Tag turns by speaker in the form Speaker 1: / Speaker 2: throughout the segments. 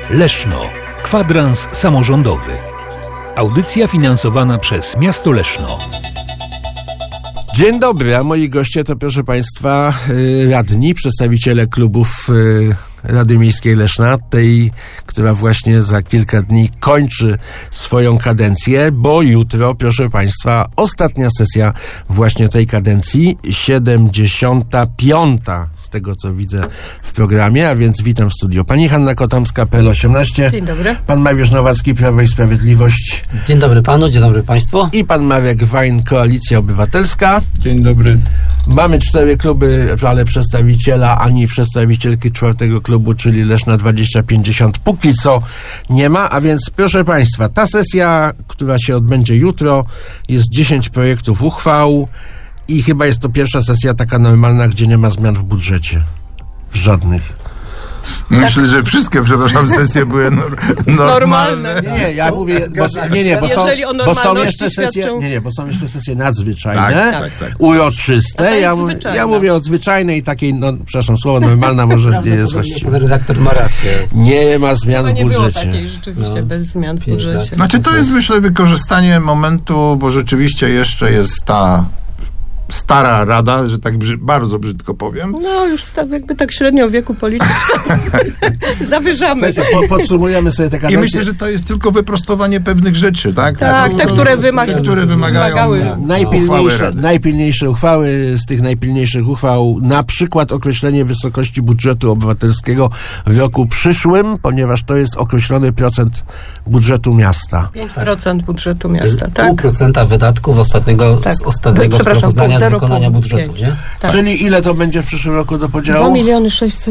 Speaker 1: Leszno. Kwadrans samorządowy. Audycja finansowana przez Miasto Leszno.
Speaker 2: Dzień dobry, a moi goście to, proszę Państwa, radni, przedstawiciele klubów Rady Miejskiej Leszna, tej, która właśnie za kilka dni kończy swoją kadencję, bo jutro, proszę Państwa, ostatnia sesja właśnie tej kadencji, 75. z tego, co widzę w programie, a więc witam w studiu. Pani Hanna Kotomska, PL18.
Speaker 3: Dzień dobry.
Speaker 2: Pan Mariusz Nowacki, Prawo i Sprawiedliwość.
Speaker 4: Dzień dobry panu, dzień dobry państwu.
Speaker 2: I pan Marek Wajn, Koalicja Obywatelska.
Speaker 5: Dzień dobry.
Speaker 2: Mamy 4 kluby, ale przedstawiciela ani przedstawicielki 4. klubu, czyli Leszna 2050, póki co nie ma, a więc proszę Państwa, ta sesja, która się odbędzie jutro, jest 10 projektów uchwał i chyba jest to pierwsza sesja taka normalna, gdzie nie ma zmian w budżecie. Żadnych.
Speaker 5: Myślę, że wszystkie, przepraszam, sesje były normalne.
Speaker 2: Nie, ja mówię, bo są jeszcze sesje, bo są jeszcze sesje nadzwyczajne,
Speaker 5: tak.
Speaker 2: uroczyste. Ja mówię o zwyczajnej takiej, przepraszam, słowo normalna może nie jest właściwe.
Speaker 4: Pan redaktor ma rację.
Speaker 2: Nie ma zmian w budżecie.
Speaker 3: Nie było takiej rzeczywiście bez zmian w budżecie.
Speaker 5: Znaczy to jest, myślę, wykorzystanie momentu, bo rzeczywiście jeszcze jest ta stara rada, że tak bardzo brzydko powiem.
Speaker 3: No już jakby tak średnio wieku politycznym zawyżamy.
Speaker 2: Słuchajcie, podsumujemy sobie te kadencje.
Speaker 5: I myślę, że to jest tylko wyprostowanie pewnych rzeczy, tak?
Speaker 3: Tak, te, które wymagają
Speaker 2: najpilniejsze uchwały. Z tych najpilniejszych uchwał na przykład określenie wysokości budżetu obywatelskiego w roku przyszłym, ponieważ to jest określony procent budżetu miasta.
Speaker 3: 5% budżetu miasta, tak?
Speaker 4: 0,5% wydatków ostatniego sprawozdania z wykonania budżetu, nie?
Speaker 2: Tak. Czyli ile to będzie w przyszłym roku do podziału?
Speaker 3: 2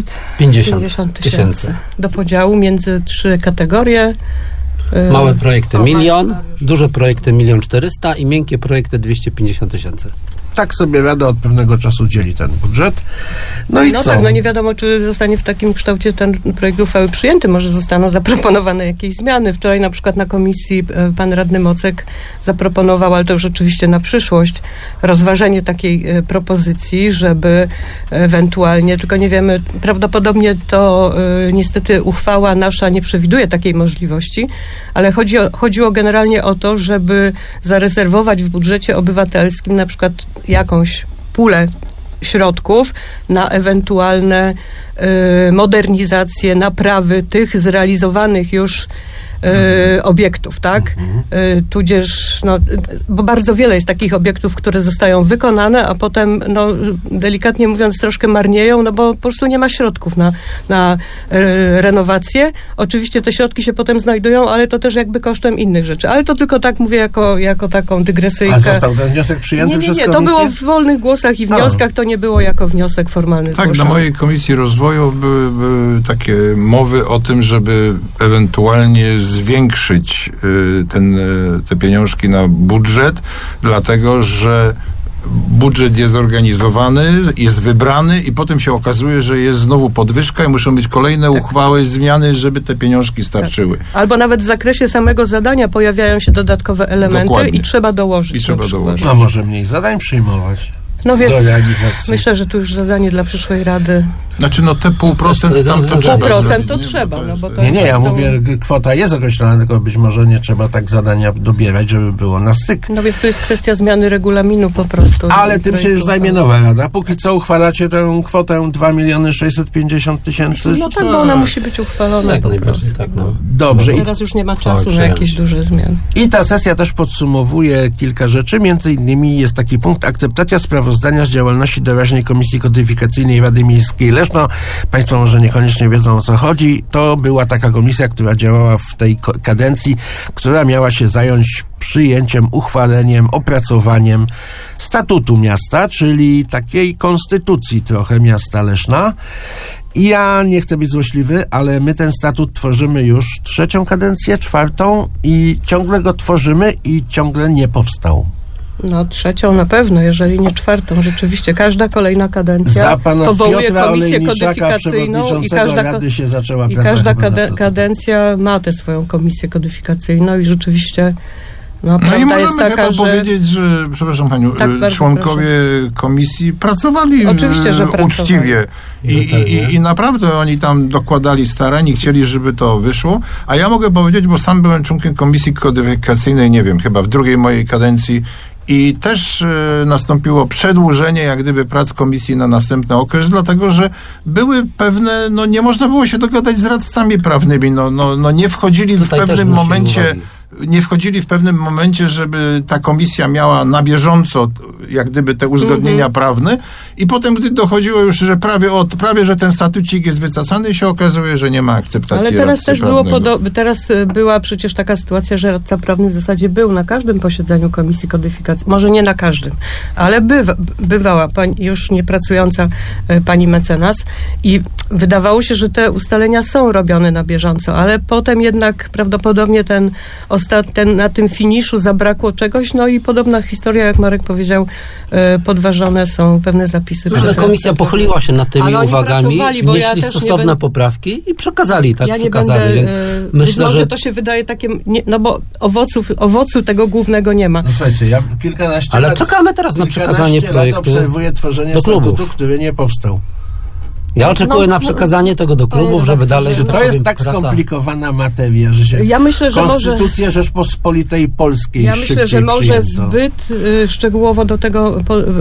Speaker 3: 650 000 do podziału między 3 kategorie.
Speaker 4: Małe projekty 1 000 000, duże projekty 1 400 000 i miękkie projekty 250 000.
Speaker 2: Tak sobie Rada od pewnego czasu dzieli ten budżet. No i co?
Speaker 3: Tak, nie wiadomo, czy zostanie w takim kształcie ten projekt uchwały przyjęty. Może zostaną zaproponowane jakieś zmiany. Wczoraj na przykład na komisji pan radny Mocek zaproponował, ale to już oczywiście na przyszłość, rozważenie takiej propozycji, żeby ewentualnie, tylko nie wiemy, prawdopodobnie to niestety uchwała nasza nie przewiduje takiej możliwości, ale chodziło generalnie o to, żeby zarezerwować w budżecie obywatelskim na przykład jakąś pulę środków na ewentualne modernizacje, naprawy tych zrealizowanych już obiektów, tak? Tudzież, bo bardzo wiele jest takich obiektów, które zostają wykonane, a potem, delikatnie mówiąc, troszkę marnieją, bo po prostu nie ma środków na renowację. Oczywiście te środki się potem znajdują, ale to też jakby kosztem innych rzeczy. Ale to tylko tak mówię jako taką dygresyjkę.
Speaker 2: A został ten wniosek przyjęty przez komisję?
Speaker 3: To było w wolnych głosach i wnioskach, to nie było jako wniosek formalny zgłoszony.
Speaker 5: Tak, na mojej Komisji Rozwoju były takie mowy o tym, żeby ewentualnie zwiększyć te pieniążki na budżet, dlatego że budżet jest zorganizowany, jest wybrany i potem się okazuje, że jest znowu podwyżka i muszą być kolejne uchwały, zmiany, żeby te pieniążki starczyły.
Speaker 3: Tak. Albo nawet w zakresie samego zadania pojawiają się dodatkowe elementy. Dokładnie. I trzeba dołożyć.
Speaker 2: A może mniej zadań przyjmować?
Speaker 3: No więc myślę, że tu już zadanie dla przyszłej Rady.
Speaker 5: Znaczy te 0,5% tam to trzeba.
Speaker 3: 0,5% to trzeba.
Speaker 2: Ja mówię, kwota jest określona, tylko być może nie trzeba tak zadania dobierać, żeby było na styk.
Speaker 3: No więc to jest kwestia zmiany regulaminu po prostu.
Speaker 2: Ale tym się już zajmie nowa Rada. Póki co uchwalacie tę kwotę 2 650 000.
Speaker 3: No tak, bo ona musi być uchwalona po prostu.
Speaker 4: Tak,
Speaker 2: Dobrze.
Speaker 3: Teraz już nie ma czasu na jakieś duże zmiany.
Speaker 2: I ta sesja też podsumowuje kilka rzeczy. Między innymi jest taki punkt: akceptacja sprawozdania z działalności doraźnej Komisji Kodyfikacyjnej Rady Miejskiej Leszno. Państwo może niekoniecznie wiedzą, o co chodzi. To była taka komisja, która działała w tej kadencji, która miała się zająć przyjęciem, uchwaleniem, opracowaniem statutu miasta, czyli takiej konstytucji trochę miasta Leszna. I ja nie chcę być złośliwy, ale my ten statut tworzymy już 3. kadencję, 4. i ciągle go tworzymy i ciągle nie powstał.
Speaker 3: 3. na pewno, jeżeli nie 4. Rzeczywiście każda kolejna kadencja powołuje komisję kodyfikacyjną i każda kadencja ma tę swoją komisję kodyfikacyjną i rzeczywiście No,
Speaker 5: No i
Speaker 3: prawda jest
Speaker 5: możemy
Speaker 3: taka,
Speaker 5: chyba
Speaker 3: że...
Speaker 5: powiedzieć, że, przepraszam paniu,
Speaker 3: Tak, bardzo
Speaker 5: członkowie komisji pracowali
Speaker 3: Oczywiście, że pracowali.
Speaker 5: uczciwie i naprawdę oni tam dokładali starań i chcieli, żeby to wyszło. A ja mogę powiedzieć, bo sam byłem członkiem komisji kodyfikacyjnej, nie wiem, chyba w drugiej mojej kadencji i też nastąpiło przedłużenie jak gdyby prac komisji na następny okres, dlatego, że były pewne, no nie można było się dogadać z radcami prawnymi, no nie wchodzili
Speaker 4: Tutaj
Speaker 5: w
Speaker 4: też
Speaker 5: pewnym
Speaker 4: wnosili
Speaker 5: momencie
Speaker 4: uwagi.
Speaker 5: nie wchodzili w pewnym momencie, żeby ta komisja miała na bieżąco jak gdyby te uzgodnienia prawne i potem, gdy dochodziło już, że prawie, że ten statucik jest wycasany, się okazuje, że nie ma akceptacji
Speaker 3: Ale teraz
Speaker 5: radcy
Speaker 3: też
Speaker 5: prawnego.
Speaker 3: teraz była przecież taka sytuacja, że radca prawny w zasadzie był na każdym posiedzeniu komisji kodyfikacji. Może nie na każdym, ale bywała już niepracująca pani mecenas i wydawało się, że te ustalenia są robione na bieżąco, ale potem jednak prawdopodobnie na tym finiszu zabrakło czegoś, no i podobna historia, jak Marek powiedział, podważone są pewne zapisy.
Speaker 4: Ale komisja pochyliła się nad tymi
Speaker 3: Ale oni
Speaker 4: uwagami,
Speaker 3: pracowali, bo ja
Speaker 4: wnieśli
Speaker 3: też nie
Speaker 4: stosowne
Speaker 3: będę-
Speaker 4: poprawki i przekazali, tak
Speaker 3: Ja nie
Speaker 4: przekazali,
Speaker 3: będę,
Speaker 4: więc
Speaker 3: być
Speaker 4: myślę,
Speaker 3: może
Speaker 4: że
Speaker 3: to się wydaje takie, no bo owocu tego głównego nie ma.
Speaker 2: No słuchajcie, ja kilkanaście
Speaker 4: Ale
Speaker 2: lat...
Speaker 4: czekamy teraz na przekazanie
Speaker 2: kilkanaście
Speaker 4: projektu
Speaker 2: lat obserwuję tworzenie
Speaker 4: do klubów.
Speaker 2: statutu, który nie powstał.
Speaker 4: ja oczekuję
Speaker 3: no,
Speaker 4: na przekazanie tego do
Speaker 3: to
Speaker 4: klubów,
Speaker 3: jest
Speaker 4: żeby
Speaker 3: dobrze,
Speaker 4: dalej,
Speaker 3: że-
Speaker 4: że
Speaker 2: To
Speaker 4: tak
Speaker 2: jest
Speaker 4: powiem,
Speaker 2: tak
Speaker 4: praca...
Speaker 2: skomplikowana materia, że się
Speaker 3: Ja myślę, że może...
Speaker 2: Konstytucję Rzeczpospolitej Polskiej
Speaker 3: Ja myślę, że
Speaker 2: szybciej
Speaker 3: może
Speaker 2: przyjęto.
Speaker 3: zbyt szczegółowo do tego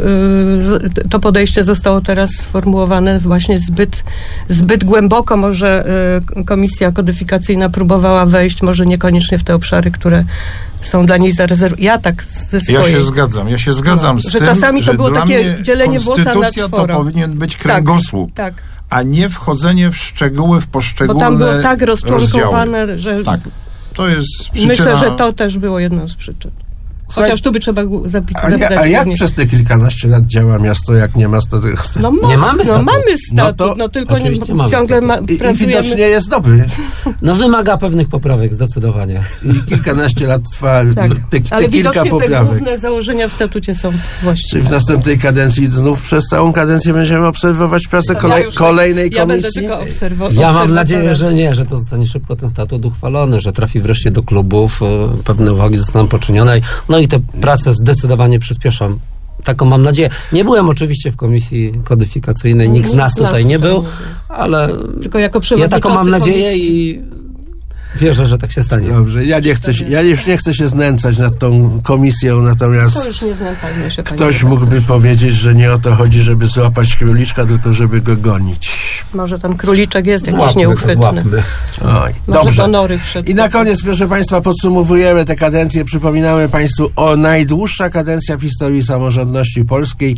Speaker 3: to podejście zostało teraz sformułowane właśnie zbyt głęboko. Może komisja kodyfikacyjna próbowała wejść, może niekoniecznie w te obszary, które są dla niej zarezerwowane. Ja tak ze
Speaker 5: Ja
Speaker 3: swojej...
Speaker 5: się zgadzam z
Speaker 3: że
Speaker 5: tym,
Speaker 3: czasami to
Speaker 5: że
Speaker 3: było
Speaker 5: dla
Speaker 3: takie
Speaker 5: mnie
Speaker 3: dzielenie włosa na
Speaker 5: konstytucja to
Speaker 3: czworo.
Speaker 5: powinien być kręgosłup,
Speaker 3: Tak,
Speaker 5: a nie wchodzenie w szczegóły, w
Speaker 3: bo
Speaker 5: poszczególne
Speaker 3: tam było tak
Speaker 5: rozdziały.
Speaker 3: rozczłonkowane, że
Speaker 5: Tak, to jest przyczyna...
Speaker 3: myślę, że to też było jedną z przyczyn. Chociaż tu by trzeba zapytać.
Speaker 2: A jak
Speaker 3: głównie.
Speaker 2: przez te kilkanaście lat działa miasto, jak nie ma statutu?
Speaker 3: No,
Speaker 4: Nie mamy statut.
Speaker 3: mamy
Speaker 2: No
Speaker 3: statut,
Speaker 2: to
Speaker 3: no tylko
Speaker 4: oczywiście mamy
Speaker 3: ciągle
Speaker 4: statut.
Speaker 2: I
Speaker 3: pracujemy.
Speaker 2: widocznie jest dobry.
Speaker 4: No wymaga pewnych poprawek, zdecydowanie.
Speaker 2: I kilkanaście lat trwa
Speaker 3: Tak.
Speaker 2: te
Speaker 3: Ale
Speaker 2: kilka
Speaker 3: widocznie te
Speaker 2: poprawek.
Speaker 3: główne założenia w statucie są
Speaker 2: Czy
Speaker 3: właściwe.
Speaker 2: w następnej kadencji znów przez całą kadencję będziemy obserwować pracę kolejnej
Speaker 3: Ja będę
Speaker 2: komisji?
Speaker 3: tylko
Speaker 4: Ja mam nadzieję, że nie, że to zostanie szybko ten statut uchwalony, że trafi wreszcie do klubów, pewne uwagi zostaną poczynione, no i te prace zdecydowanie przyspieszą. Taką mam nadzieję. Nie byłem oczywiście w komisji kodyfikacyjnej, nikt z nas tutaj nie był, ale
Speaker 3: Tylko jako
Speaker 4: ja
Speaker 3: przewodniczący
Speaker 4: taką mam nadzieję
Speaker 3: komisji.
Speaker 4: i wierzę, że tak się stanie.
Speaker 2: Dobrze, ja już nie chcę się znęcać nad tą komisją, natomiast
Speaker 3: To już nie znęcajmy się, panie
Speaker 2: ktoś
Speaker 3: redaktorze.
Speaker 2: mógłby powiedzieć, że nie o to chodzi, żeby złapać króliczka, tylko żeby go gonić.
Speaker 3: Może ten króliczek jest jakiś
Speaker 4: Złapmy go,
Speaker 3: nieuchwytny.
Speaker 4: złapmy.
Speaker 2: Oj,
Speaker 3: Może
Speaker 2: dobrze.
Speaker 3: do nory wszedł.
Speaker 2: I na koniec, proszę Państwa, podsumowujemy tę kadencję. Przypominamy Państwu o najdłuższa kadencja w historii samorządności polskiej,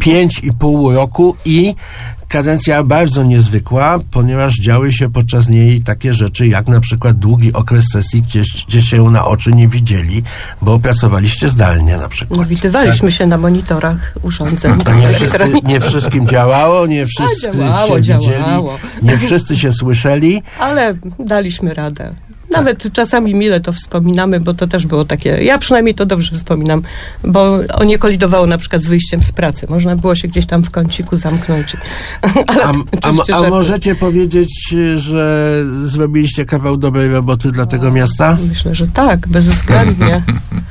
Speaker 2: 5,5 roku i kadencja bardzo niezwykła, ponieważ działy się podczas niej takie rzeczy, jak na przykład długi okres sesji, gdzie się na oczy nie widzieli, bo pracowaliście zdalnie na przykład.
Speaker 3: Widywaliśmy się na monitorach urządzeń
Speaker 2: Nie wszystkim działało, nie wszyscy
Speaker 3: działało,
Speaker 2: się widzieli,
Speaker 3: działało.
Speaker 2: nie wszyscy się słyszeli.
Speaker 3: ale daliśmy radę. Nawet czasami mile to wspominamy, bo to też było takie, ja przynajmniej to dobrze wspominam, bo on nie kolidowało na przykład z wyjściem z pracy. Można było się gdzieś tam w kąciku zamknąć. Ale oczywiście
Speaker 2: A
Speaker 3: żarty.
Speaker 2: możecie powiedzieć, że zrobiliście kawał dobrej roboty dla tego miasta?
Speaker 3: Myślę, że tak, bezwzględnie.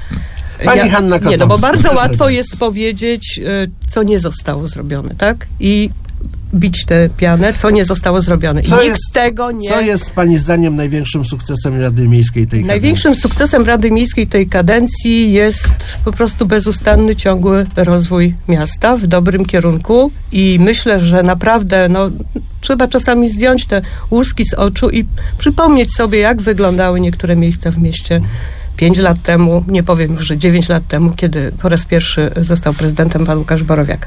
Speaker 2: Pani Hanna
Speaker 3: Nie, no bo
Speaker 2: Kotowska,
Speaker 3: bardzo
Speaker 2: proszę
Speaker 3: łatwo
Speaker 2: bardzo.
Speaker 3: jest powiedzieć, co nie zostało zrobione, tak? I bić tę pianę, co nie zostało zrobione. I nikt tego nie...
Speaker 2: Co jest Pani zdaniem największym sukcesem Rady Miejskiej tej
Speaker 3: Największym sukcesem Rady Miejskiej tej kadencji jest po prostu bezustanny, ciągły rozwój miasta w dobrym kierunku i myślę, że naprawdę trzeba czasami zdjąć te łuski z oczu i przypomnieć sobie, jak wyglądały niektóre miejsca w mieście 5 lat temu, nie powiem już, że 9 lat temu, kiedy po raz pierwszy został prezydentem pan Łukasz Borowiak.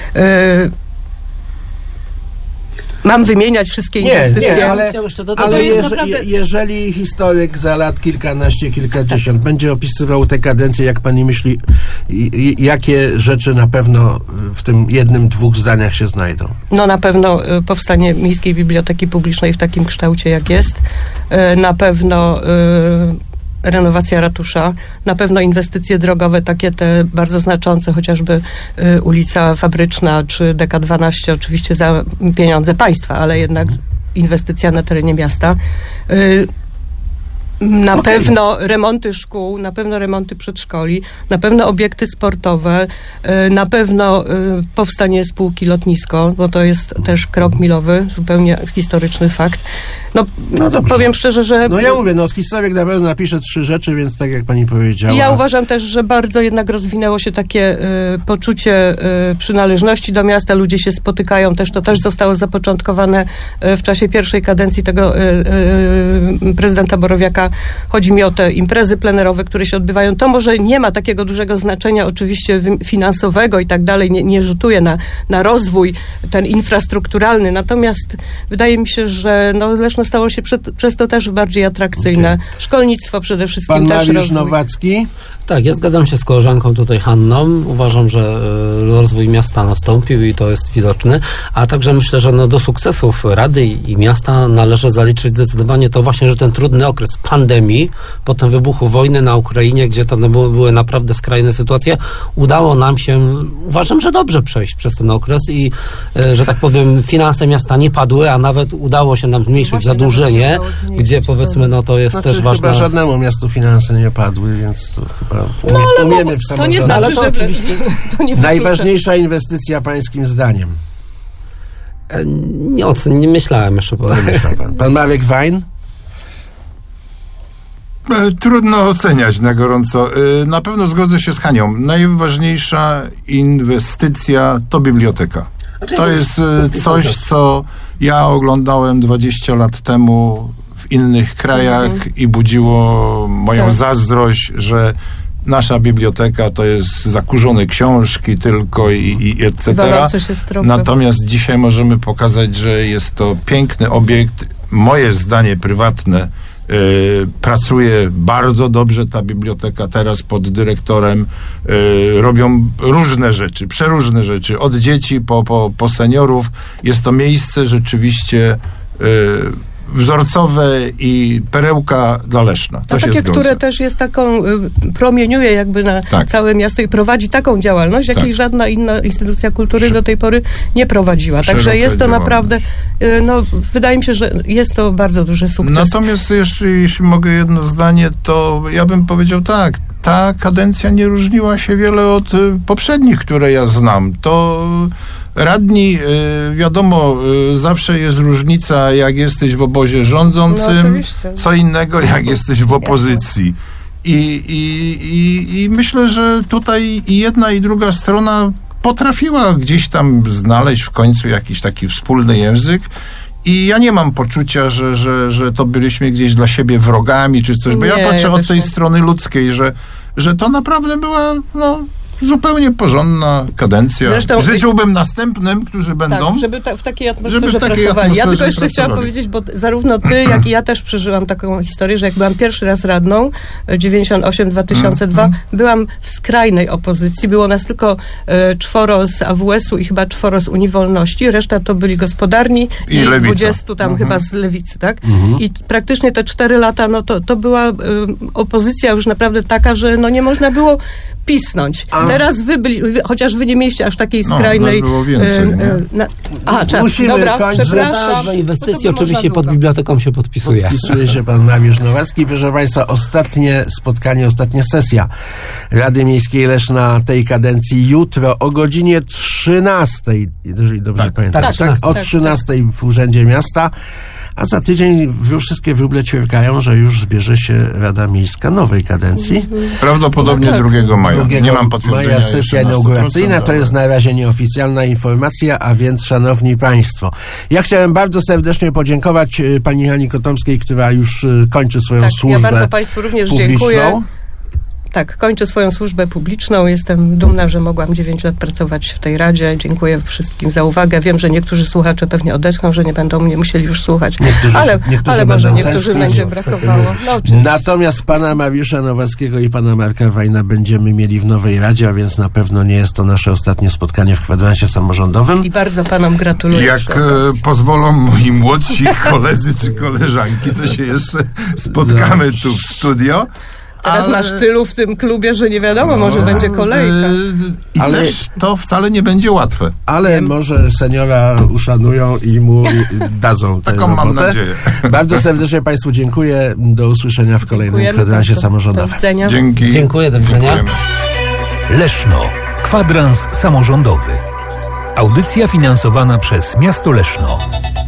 Speaker 3: Mam wymieniać wszystkie inwestycje.
Speaker 2: Nie, ale,
Speaker 4: Chciałem jeszcze dodać,
Speaker 2: ale
Speaker 3: to jest naprawdę-
Speaker 2: jeżeli historyk za lat kilkanaście, kilkadziesiąt będzie opisywał tę kadencję, jak Pani myśli, jakie rzeczy na pewno w tym jednym, dwóch zdaniach się znajdą?
Speaker 3: No na pewno powstanie Miejskiej Biblioteki Publicznej w takim kształcie, jak jest. Na pewno renowacja ratusza, na pewno inwestycje drogowe, takie te bardzo znaczące, chociażby ulica Fabryczna czy DK12, oczywiście za pieniądze państwa, ale jednak inwestycja na terenie miasta. Na pewno remonty szkół, na pewno remonty przedszkoli, na pewno obiekty sportowe, na pewno powstanie spółki lotnisko, bo to jest też krok milowy, zupełnie historyczny fakt. No
Speaker 2: dobrze.
Speaker 3: powiem szczerze, że...
Speaker 2: No ja mówię, historyk na pewno napisze 3 rzeczy, więc tak jak pani powiedziała.
Speaker 3: Ja uważam też, że bardzo jednak rozwinęło się takie poczucie przynależności do miasta. Ludzie się spotykają też. To też zostało zapoczątkowane w czasie pierwszej kadencji tego prezydenta Borowiaka. Chodzi mi o te imprezy plenerowe, które się odbywają. To może nie ma takiego dużego znaczenia oczywiście finansowego i tak dalej. Nie rzutuje na rozwój ten infrastrukturalny. Natomiast wydaje mi się, że Leszno stało się przez to też bardziej atrakcyjne. Okay. Szkolnictwo przede wszystkim
Speaker 2: Pan
Speaker 3: też
Speaker 2: Mariusz
Speaker 3: rozwój.
Speaker 2: Nowacki.
Speaker 4: Tak, ja zgadzam się z koleżanką tutaj Hanną. Uważam, że rozwój miasta nastąpił i to jest widoczne, a także myślę, że do sukcesów Rady i miasta należy zaliczyć zdecydowanie to właśnie, że ten trudny okres pandemii, potem wybuchu wojny na Ukrainie, gdzie to były naprawdę skrajne sytuacje, udało nam się, uważam, że dobrze przejść przez ten okres i, że tak powiem, finanse miasta nie padły, a nawet udało się nam zmniejszyć zadłużenie, gdzie powiedzmy, to jest też ważne.
Speaker 2: Chyba żadnemu miastu finanse nie padły, więc to chyba umiemy w samorządzie.
Speaker 3: To nie znaczy, że
Speaker 4: oczywiście
Speaker 3: to nie
Speaker 2: najważniejsza inwestycja pańskim zdaniem?
Speaker 4: Nie myślałem jeszcze.
Speaker 2: Pan Marek Wajn?
Speaker 5: Trudno oceniać na gorąco. Na pewno zgodzę się z Hanią. Najważniejsza inwestycja to biblioteka. To jest coś, co ja oglądałem 20 lat temu w innych krajach i budziło moją zazdrość, że nasza biblioteka to jest zakurzone książki tylko i etc. Natomiast dzisiaj możemy pokazać, że jest to piękny obiekt. Moje zdanie prywatne, pracuje bardzo dobrze ta biblioteka teraz pod dyrektorem. Robią różne rzeczy, przeróżne rzeczy. Od dzieci po seniorów. Jest to miejsce rzeczywiście wzorcowe i perełka dla Leszna. To się zgodzę.
Speaker 3: Które też jest taką, promieniuje jakby na całe miasto i prowadzi taką działalność, jakiej żadna inna instytucja kultury do tej pory nie prowadziła. Także jest to naprawdę, wydaje mi się, że jest to bardzo duży sukces.
Speaker 5: Natomiast jeszcze, jeśli mogę jedno zdanie, to ja bym powiedział tak, ta kadencja nie różniła się wiele od poprzednich, które ja znam. To radni, wiadomo, zawsze jest różnica, jak jesteś w obozie rządzącym, co innego, jak jesteś w opozycji. I myślę, że tutaj i jedna, i druga strona potrafiła gdzieś tam znaleźć w końcu jakiś taki wspólny język. I ja nie mam poczucia, że to byliśmy gdzieś dla siebie wrogami czy coś, bo ja patrzę od tej strony ludzkiej, że to naprawdę była, zupełnie porządna kadencja.
Speaker 3: Zresztą
Speaker 5: życzyłbym następnym, którzy będą.
Speaker 3: Tak, żeby w takiej atmosferze pracowali. Ja tylko jeszcze chciałam powiedzieć, bo zarówno ty, jak i ja też przeżyłam taką historię, że jak byłam pierwszy raz radną, 98-2002, byłam w skrajnej opozycji. Było nas tylko 4 z AWS-u i chyba 4 z Unii Wolności. Reszta to byli gospodarni i 20 tam chyba z Lewicy, tak? I praktycznie te 4 lata, to była opozycja już naprawdę taka, że nie można było pisnąć. Teraz chociaż wy nie mieliście aż takiej skrajnej...
Speaker 5: było więcej,
Speaker 3: czas.
Speaker 2: Musimy kończyć.
Speaker 3: Przepraszam.
Speaker 4: Inwestycji oczywiście pod biblioteką się podpisuje.
Speaker 2: Podpisuje się pan Mariusz Nowacki. Proszę państwa, ostatnie spotkanie, ostatnia sesja Rady Miejskiej Leszna tej kadencji jutro o godzinie 13, jeżeli dobrze pamiętam. O 13 w Urzędzie Miasta. A za tydzień wszystkie wróble ćwierkają, że już zbierze się Rada Miejska nowej kadencji.
Speaker 5: Prawdopodobnie 2 maja. Nie mam potwierdzenia.
Speaker 2: Maja sesja inauguracyjna, to jest na razie nieoficjalna informacja, a więc szanowni państwo, ja chciałem bardzo serdecznie podziękować pani Hani Kotomskiej, która już kończy swoją służbę.
Speaker 3: Ja bardzo państwu również
Speaker 2: publiczną.
Speaker 3: Dziękuję. Tak, kończę swoją służbę publiczną. Jestem dumna, że mogłam 9 lat pracować w tej Radzie. Dziękuję wszystkim za uwagę. Wiem, że niektórzy słuchacze pewnie odetchną, że nie będą mnie musieli już słuchać. Ale może niektórzy będzie brakowało.
Speaker 2: Natomiast pana Mariusza Nowackiego i pana Marka Wajna będziemy mieli w nowej Radzie, a więc na pewno nie jest to nasze ostatnie spotkanie w kwadransie samorządowym.
Speaker 3: I bardzo panom gratuluję.
Speaker 5: Jak pozwolą moi młodsi koledzy czy koleżanki, to się jeszcze spotkamy tu w studio.
Speaker 3: Teraz masz tylu w tym klubie, że nie wiadomo, może będzie kolejka.
Speaker 5: I
Speaker 2: Ale-
Speaker 5: też to wcale nie będzie łatwe.
Speaker 2: Ale może seniora uszanują i mu dadzą tę
Speaker 5: Taką mam
Speaker 2: robotę.
Speaker 5: nadzieję.
Speaker 2: Bardzo serdecznie Państwu dziękuję. Do usłyszenia w kolejnym
Speaker 3: Dziękujemy
Speaker 2: kwadransie
Speaker 3: bardzo. Do
Speaker 2: samorządowym.
Speaker 3: widzenia.
Speaker 5: Dzięki.
Speaker 4: Dziękuję, do widzenia.
Speaker 5: Dziękujemy.
Speaker 1: Leszno. Kwadrans samorządowy. Audycja finansowana przez miasto Leszno.